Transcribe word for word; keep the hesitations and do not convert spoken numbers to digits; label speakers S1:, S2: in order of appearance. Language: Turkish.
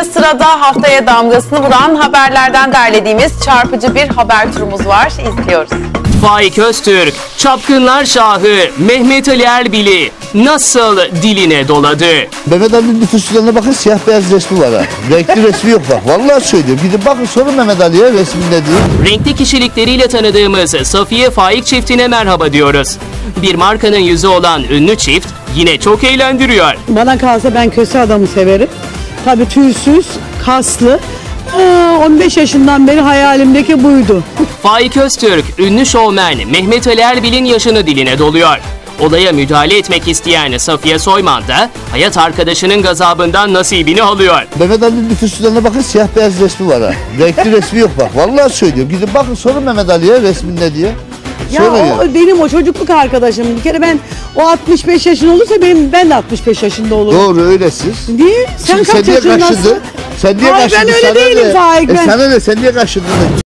S1: Ve sırada haftaya damgasını vuran haberlerden derlediğimiz çarpıcı bir haber turumuz var. İzliyoruz.
S2: Faik Öztürk, Çapkınlar Şahı Mehmet Ali Erbil'i nasıl diline doladı?
S3: Mehmet Ali'nin nüfus cüzdanına bakın, siyah beyaz resmi var ha. Renkli resmi yok bak. Vallahi söylüyorum. Gidin bakın, sorun Mehmet Ali'ye resmin ne diyor.
S2: Renkli kişilikleriyle tanıdığımız Safiye Faik çiftine merhaba diyoruz. Bir markanın yüzü olan ünlü çift yine çok eğlendiriyor.
S4: Bana kalsa ben köse adamı severim. Tabii tüysüz, kaslı. on beş yaşından beri hayalimdeki buydu.
S2: Faik Öztürk, ünlü şovmen Mehmet Ali Erbil'in yaşını diline doluyor. Olaya müdahale etmek isteyen Safiye Soyman da hayat arkadaşının gazabından nasibini alıyor.
S3: Mehmet Ali'nin nüfus cüzdanına bakın, siyah beyaz resmi var ha. Renkli resmi yok bak. Vallahi söylüyorum. Gidin bakın, sorun Mehmet Ali'ye resmin ne diye.
S4: Ya o benim o çocukluk arkadaşım. Bir kere ben o altmış beş yaşında olursa benim ben de altmış beş yaşında olurum.
S3: Doğru, öyle siz.
S4: Niye? Sen
S3: Şimdi
S4: kaç
S3: sen niye
S4: yaşındasın?
S3: kaçırdın? Sen niye
S4: Hayır,
S3: kaçırdın?
S4: ben öyle
S3: sana
S4: değilim
S3: ne?
S4: Faik.
S3: E
S4: Ben...
S3: sana ne? Sen niye kaçırdın?